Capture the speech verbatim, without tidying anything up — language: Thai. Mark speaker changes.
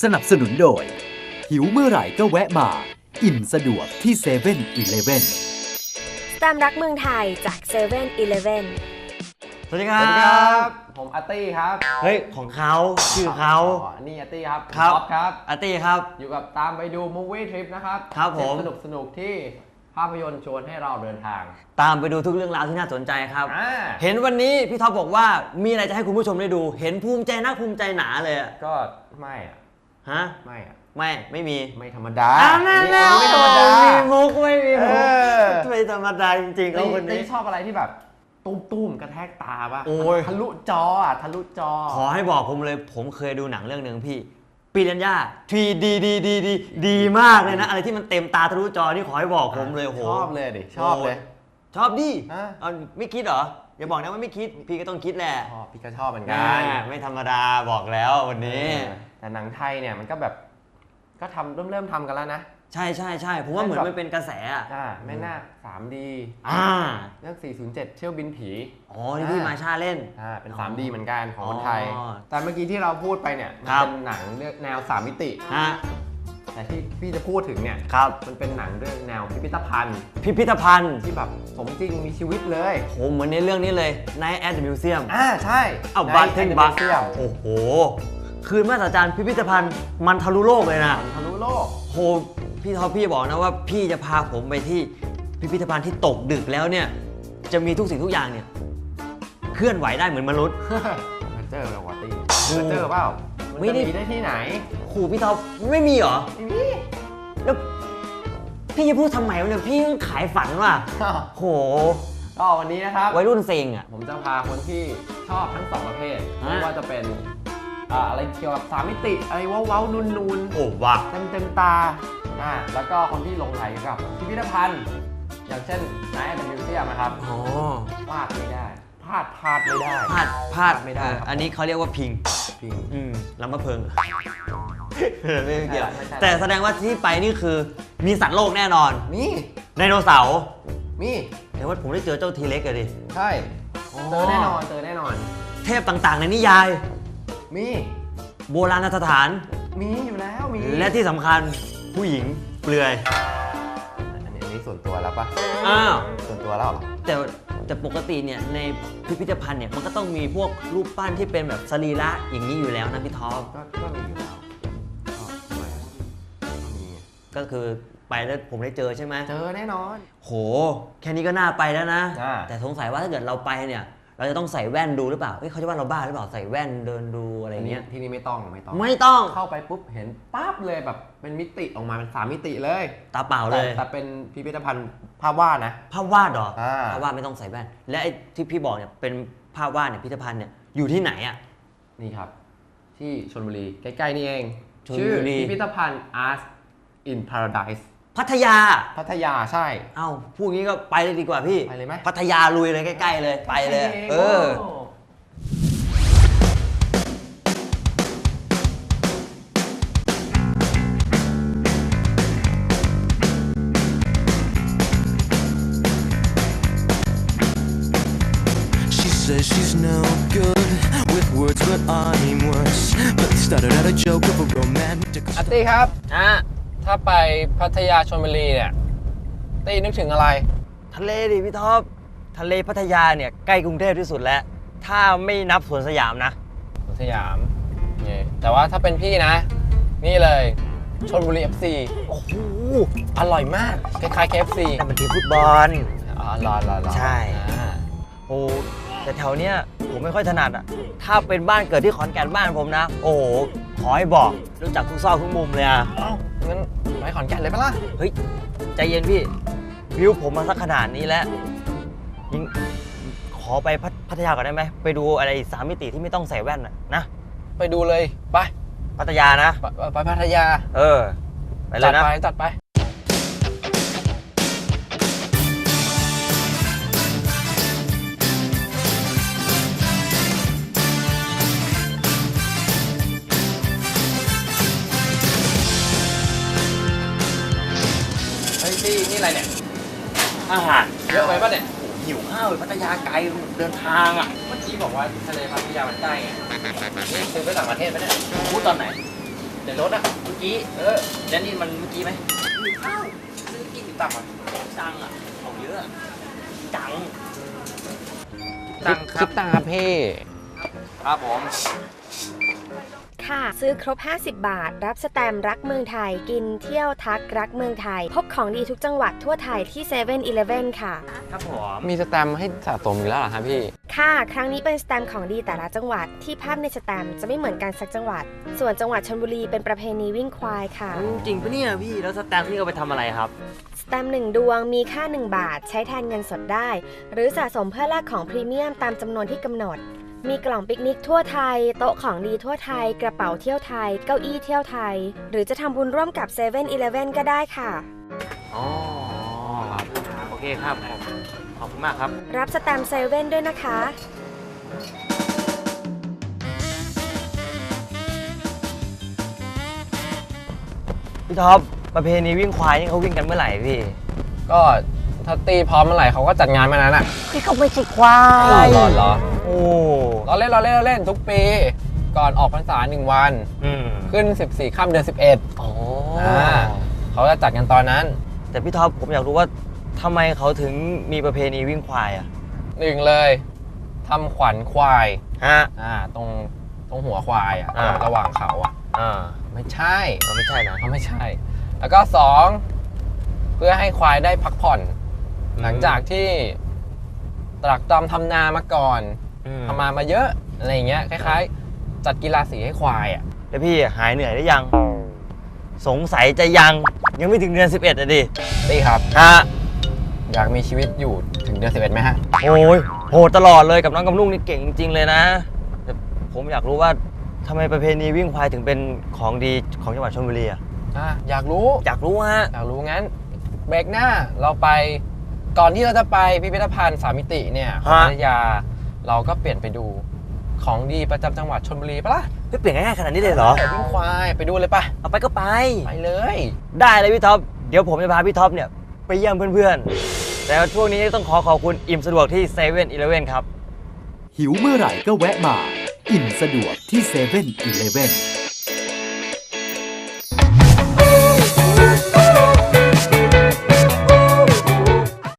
Speaker 1: สนับสนุนโดยหิวเมื่อไหร่ก็แวะมาอิ่มสะดวกที่เซเว่นอีเลฟเว่น
Speaker 2: สแตมป์รักเมืองไทยจากเซเว่นอีเลฟเว่น
Speaker 3: สวัสดีครับ
Speaker 4: สวัสดีครับผมอาร์ตี้ครับ
Speaker 3: เฮ้ยของเขาชื่อเขา
Speaker 4: อ๋อนี่อาร์ตี้ครับ
Speaker 3: ครับ
Speaker 4: ครับ
Speaker 3: อาร์ตี้ครับ
Speaker 4: อยู่กับตามไปดูมูฟวี่ทริปนะครับ
Speaker 3: ครับผม
Speaker 4: สนุกสนุกที่ภาพยนตร์ชวนให้เราเดินทาง
Speaker 3: ตามไปดูทุกเรื่องราวที่น่าสนใจครับ
Speaker 4: อ่า
Speaker 3: เห็นวันนี้พี่ท็อปบอกว่ามีอะไรจะให้คุณผู้ชมได้ดู เห็นภูมิใจนักภูมิใจหนาเลยอะ
Speaker 4: ก็ไม่อะ
Speaker 3: ฮะ
Speaker 4: ไม่อะ
Speaker 3: ไม่ไม่มี
Speaker 4: ไม่ธรรมดา
Speaker 3: อ้าวนั่นแหละ
Speaker 4: ไม่ธรรมดา
Speaker 3: มีมุกไม่มีมุก
Speaker 4: เออ
Speaker 3: ไม่ธรรมดาจริงๆเขาคนนี้
Speaker 4: ชอบอะไรที่แบบตุ้มๆกระแทกตาป่ะ
Speaker 3: โอ้ย
Speaker 4: ทะลุจออ่ะทะลุจอ
Speaker 3: ขอให้บอกผมเลยผมเคยดูหนังเรื่องหนึ่งพี่ปีรัญญาทีดีดีดีดีดีมากเลยนะอะไรที่มันเต็มตาทะลุจอนี่ขอให้บอกผมเลยโห
Speaker 4: ชอบเลยดิชอบเลย
Speaker 3: ชอบดิ
Speaker 4: อ่ะ
Speaker 3: เอาไม่คิดเหรออย่าบอกนะว่าไม่คิดพี่ก็ต้องคิดแหละ
Speaker 4: ชอบพี่ก็ชอบเหมือนกัน
Speaker 3: ไม่ธรรมดาบอกแล้ววันนี้
Speaker 4: แต่หนังไทยเนี่ยมันก็แบบก็ทำเริ่มเริ่มทำกันแล้วนะ
Speaker 3: ใช่ใช่ใช่ผมว่าเหมือนมันเป็นกระแสอ่ะ
Speaker 4: แม่นาค ทรีดี
Speaker 3: อ่า
Speaker 4: เรื่องสี่ศูนย์เจ็ดเที่ยวบินผี
Speaker 3: อ๋อที่พี่มาชาเล่น
Speaker 4: อ่าเป็น ทรีดี เหมือนกันของคนไทย
Speaker 3: อ๋อ
Speaker 4: แต่เมื่อกี้ที่เราพูดไปเนี่ยมันเป็นหนังเรื่องแนวสามมิติ
Speaker 3: ฮะ
Speaker 4: แต่ที่พี่จะพูดถึงเนี่ย
Speaker 3: ครับ
Speaker 4: มันเป็นหนังเรื่องแนวพิพิธภัณฑ์
Speaker 3: พิพิธภัณฑ์
Speaker 4: ที่แบบสมจริงมีชีวิตเลย
Speaker 3: โหเหมือนในเรื่องนี้เลย Night at the Museum
Speaker 4: อ่าใช่
Speaker 3: อ้าวบัตเทนบัต
Speaker 4: เซียม
Speaker 3: โอ้โหคืนมาตรฐานพิพิธภัณฑ์มันทะลุโลกเลยนะ
Speaker 4: ทะลุโลก
Speaker 3: โหพี่ท็อปพี่บอกนะว่าพี่จะพาผมไปที่พิพิธภัณฑ์ที่ตกดึกแล้วเนี่ยจะมีทุกสิ่งทุกอย่างเนี่ยเคลื่อนไหวได้เหมือนมนุษย์
Speaker 4: มันเจอเราวะตี้มันเจอเปล่ามันจะมีได้ที่ไหน
Speaker 3: ครูพี่ท็อปไม่มีเหรอ
Speaker 4: ไม่มี
Speaker 3: แล้วพี่จะพูดทำไมวะเนี่ยพี่ขายฝันว่ะโห
Speaker 4: ก็วันนี้นะครับ
Speaker 3: วัยรุ่นเซ็งอ่ะ
Speaker 4: ผมจะพาคนที่ชอบทั้งสองประเภทไม่ว่าจะเป็นอะไรเกี่ยวกับสามมิติอะไรว้าวๆนูนๆ
Speaker 3: โอ้ว้า
Speaker 4: เต็มเต็มตาอ่าแล้วก็คนที่ลงไหลกับพิพิธภัณฑ์อย่างเช่นนายแอนด์มิวเซียมนะครับ
Speaker 3: อ๋อ
Speaker 4: พลาดไม่ได้พลาดพลาดไม่ได้
Speaker 3: พลาดพลาดไม่ได้อันนี้เขาเรียกว่าพิง
Speaker 4: พิง
Speaker 3: อืมลำมะเพิงไม่เกี่ยวแต่แสดงว่าที่ไปนี่คือมีสัตว์โลกแน่นอน
Speaker 4: มี
Speaker 3: ไดโนเสาร์
Speaker 4: มี
Speaker 3: แต่ว่าผมได้เจอเจ้าทีเล็กเลยดิ
Speaker 4: ใช่เจอแน่นอนเจอแน่นอน
Speaker 3: เทพต่างๆในนิยาย
Speaker 4: มี
Speaker 3: โบราณสถาน
Speaker 4: มีอยู่แล้วมี
Speaker 3: และที่สำคัญผู้หญิงเปลือย
Speaker 4: อันนี้ส่วนตัวแล้วปะ
Speaker 3: อ้าว
Speaker 4: ส่วนตัวแล้ว
Speaker 3: แต่แต่ปกติเนี่ยในพิพิธภัณฑ์เนี่ยมันก็ต้องมีพวกรูปปั้นที่เป็นแบบสรีระอย่างนี้อยู่แล้วนะพี่ท็อป
Speaker 4: ก็ก็มีอยู่แล้ว
Speaker 3: ก็คือไปแล้วผมได้เจอใช่ไหม
Speaker 4: เจอแน่นอน
Speaker 3: โหแค่นี้ก็น่าไปแล้วนะแต่สงสัยว่าถ้าเกิดเราไปเนี่ยเราจะต้องใส่แว่นดูหรือเปล่าเฮ้ยเขาจะว่าเราบ้าหรือเปล่าใส่แว่นเดินดูอะไรเงี้ย
Speaker 4: ที่นี่ไม่ต้องไม่ต้อง
Speaker 3: ไม่ต้อง
Speaker 4: เข้าไปปุ๊บเห็นปั๊บเลยแบบเป็นมิติออกมาเป็นสามมิติเลย
Speaker 3: ตาเปล่าเลย
Speaker 4: แต่เป็นพิพิธภัณฑ์ภาพวาดนะ
Speaker 3: ภาพวาดเหรอภาพวาดไม่ต้องใส่แว่นและไอ้ที่พี่บอกเนี่ยเป็นภาพวาดเนี่ยพิพิธภัณฑ์เนี่ยอยู่ที่ไหนอ่ะ
Speaker 4: นี่ครับที่ชลบุรีใกล้ๆนี่เองชื่อพิพิธภัณฑ์ Art in Paradise
Speaker 3: พัทยา
Speaker 4: พัทยาใช่
Speaker 3: เอ้าพูดงี้ก็ไปเลยดีกว่าพี่
Speaker 4: ไปเลยไหม
Speaker 3: พัทยาลุยเลยใกล้ๆเลยไปเลยเออ
Speaker 1: She's no good with words but I'm worse but started out a joke of a romantic
Speaker 4: อาร์ตี้ครับอ่ะถ้าไปพัทยาชลบุรีเนี่ยตี้นึกถึงอะไร
Speaker 3: ทะเลดิพี่ท็อปทะเลพัทยาเนี่ยใกล้กรุงเทพที่สุดแล้วถ้าไม่นับสวนสยามนะ
Speaker 4: สวนสยามนี่แต่ว่าถ้าเป็นพี่นะนี่เลยชลบุรี เอฟ ซี
Speaker 3: โอ้โห
Speaker 4: อร่อยมากคล้ายๆ เค เอฟ ซี
Speaker 3: แต่มันทีมฟุตบอล
Speaker 4: อ๋อรอรอรอ
Speaker 3: ใช่โอ้แต่แถวเนี้ยผมไม่ค่อยถนัดอ่ะถ้าเป็นบ้านเกิดที่ขอนแก่นบ้านผมนะโอ้โหขอให้บอกรู้จักทุกซอกทุกมุมเลยอ่ะ
Speaker 4: เอ้างั้นไปขอนแก่นเลยปะล่ะ
Speaker 3: เฮ้ยใจเย็นพี่วิวผมมาสักขนาดนี้แล้วยิงขอไปพัทยาก่อนได้ไหมไปดูอะไรสามมิติที่ไม่ต้องใส่แว่นนะ
Speaker 4: ไปดูเลยไป
Speaker 3: พัทยานะ
Speaker 4: ไปพัทยา
Speaker 3: เออไปเลยนะ
Speaker 4: จัดไปจัดไปนี่นี่อะไรเนี่ย
Speaker 3: อาหาร
Speaker 4: เยอะไปป่ะเนี่ย
Speaker 3: หิวข้าวพัทยาไกลเดินทางอ่ะ
Speaker 4: เมื่อกี้บอกว่าทะเลพัทยามันใกล้ไงนี่ซื้อไปต่างประเทศไหมเนี่ย
Speaker 3: พูดตอนไหน
Speaker 4: ในรถอ่ะ
Speaker 3: เมื่อกี้
Speaker 4: เออ
Speaker 3: แล้วนี่มันเมื่อกี้ไหม
Speaker 4: อ้าวซื้อกี่ตังค์อ่ะ
Speaker 3: ตังค์อ่ะของเยอะจัง
Speaker 4: ตังค์ครับตังค์ครับพี่
Speaker 3: ครับผม
Speaker 2: ค่ะ ซื้อครบ ห้าสิบ บาท รับสแตมป์รักเมืองไทย กินเที่ยวทักรักเมืองไทย พบของดีทุกจังหวัดทั่วไทยที่เซเว่นอีเลฟเว่นค่ะ
Speaker 3: ครับผม
Speaker 4: มีสแตมป์ให้สะสมอีกแล้วเหรอครับพี่
Speaker 2: ค่ะ ครั้งนี้เป็นสแตมป์ของดีแต่ละจังหวัดที่ภาพในสแตมป์จะไม่เหมือนกันสักจังหวัด ส่วนจังหวัดชลบุรีเป็นประเพณีวิ่งควายค่ะ
Speaker 3: จริงปะเนี่ยพี่แล้วสแตมป์นี่เอาไปทำอะไรครับ
Speaker 2: สแตมป์หนึ่งดวงมีค่า หนึ่ง บาท ใช้แทนเงินสดได้ หรือสะสมเพื่อแลกของพรีเมียมตามจำนวนที่กำหนด มีกล่องปิกนิกทั่วไทย โต๊ะของดีทั่วไทย กระเป๋าเที่ยวไทย เก้าอี้เที่ยวไทย หรือจะทำบุญร่วมกับเซเว่นอีเลฟเว่นก็ได้ค่ะ
Speaker 3: อ๋อครับโอเคครับผมขอบคุณมากครับ
Speaker 2: รับสแตมป์เซเว่นด้วยนะคะ
Speaker 3: พี่ท็อปประเพณีวิ่งควายนี่เขาวิ่งกันเมื่อไหร่พี่
Speaker 4: ก็ถ้าตีพร้อมเมื่อไหร่เขาก็จัดงานมานั้นอ่ะ
Speaker 3: พี่เขาไม่ใช่ควา
Speaker 4: รอย รอรอ
Speaker 3: โอ้
Speaker 4: เราเล่นเราเล่นเราเล่นทุกปี ก่อนออกพรรษาหนึ่งวัน
Speaker 3: อืม
Speaker 4: ขึ้นสิบสี่ค่ำเดือนสิบเอ็ด
Speaker 3: อ๋อ
Speaker 4: อ่าเขาจะจัดกันตอนนั้น
Speaker 3: แต่พี่ท็อปผมอยากรู้ว่าทำไมเขาถึงมีประเพณีวิ่งควายอ่ะ
Speaker 4: หนึ่งเลยทำขวัญควาย
Speaker 3: ฮะ
Speaker 4: อ่าตรงตรงหัวควายอ่ะ
Speaker 3: อ่า
Speaker 4: ระหว่างเขาอ่ะ
Speaker 3: อ่า
Speaker 4: ไม่ใช่
Speaker 3: เราไม่ใช่นะ
Speaker 4: เขาไม่ใช่ แล้วก็สองเพื่อให้ควายได้พักผ่อน
Speaker 3: อืม
Speaker 4: หลังจากที่ตรักตรำทำนามาก่อน
Speaker 3: อืม
Speaker 4: ทำมามาเยอะอะไรอย่างเงี้ยคล้ายๆ จัดกีฬาสีให้ควายอ่ะ
Speaker 3: แล้วพี่หายเหนื่อยหรือยัง สงสัยจะยังยังไม่ถึงเดือนสิบเอ็ดอ่ะดิ
Speaker 4: ตีครับ
Speaker 3: ฮะ
Speaker 4: อยากมีชีวิตอยู่ถึงเดือนสิบเอ็ดไหมฮะ
Speaker 3: โอ้ยโหดตลอดเลยกับน้องกับลุงนี่เก่งจริงๆเลยนะแต่ผมอยากรู้ว่าทำไมประเพณีวิ่งควายถึงเป็นของดีของจังหวัดชลบุรีอ่ะ
Speaker 4: อ่ะอยากรู้
Speaker 3: อยากรู้ฮะ
Speaker 4: อยากรู้งั้นเบรกหน้าเราไปก่อนที่เราจะไปพิพิธภัณฑ์สามมิติเนี่ยของ
Speaker 3: ฮะ
Speaker 4: พัทยาเราก็เปลี่ยนไปดูของดีประจำจังหวัดชลบุรีปะล่ะ
Speaker 3: ไม่เปลี่ยนง่ายๆขนาดนี้เลยเหรอ
Speaker 4: วิ่งควายไปดูเลยปะ
Speaker 3: เอาไปก็ไป
Speaker 4: ไปเลย
Speaker 3: ได้เลยพี่ท็อป เดี๋ยวผมจะพาพี่ท็อปเนี่ยไปเยี่ยมเพื่อนๆ แต่ว่าช่วงนี้ต้องขอขอบคุณอิ่มสะดวกที่เซเว่นอีเลฟเว่นครับ
Speaker 5: หิวเมื่อไหร่ก็แวะมา อิ่มสะดวกที่เซเว่นอีเลฟเว่น